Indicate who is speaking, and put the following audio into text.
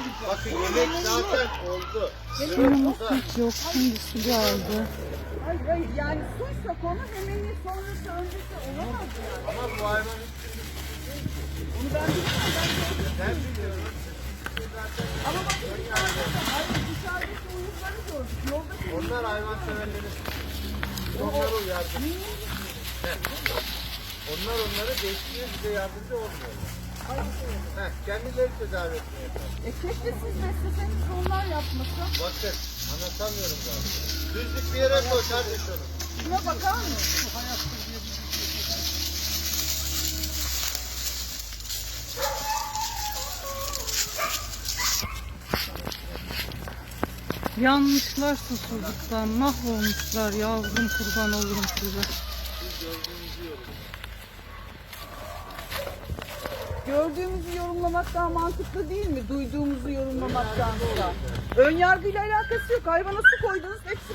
Speaker 1: Bakın yemek zaten oldu.
Speaker 2: Suyumuz hiç yok. Şimdi su geldi.
Speaker 3: Hayır hayır yani suysa konu hemeni sonrası öncesi olamaz yani.
Speaker 1: Ama bu hayvan
Speaker 3: Onu ben bilmiyorum.
Speaker 1: ben biliyorum.
Speaker 3: Ama bak dışarıdaki uyuzları gördük. Yoldaki
Speaker 1: Onlar hayvan severleri. Onları uyardı. Onlar onları besliyor, bize yardımcı olmuyor. Kendileri tedavi etmeye çalışıyor.
Speaker 3: keşke siz besleseniz de onlar yapmasa.
Speaker 1: Bakın anlatamıyorum zaten. Düzlük bir yere koy kardeş onu.
Speaker 3: Şuna bakar mısın?
Speaker 2: Yanmışlar susuzluktan. Mahvolmuşlar yavrum, kurban olurum size.
Speaker 3: Gördüğümüzü yorumlamak daha mantıklı değil mi? Duyduğumuzu yorumlamaktansa. Ön yargıyla alakası yok. Hayvana su koydunuz, hepsi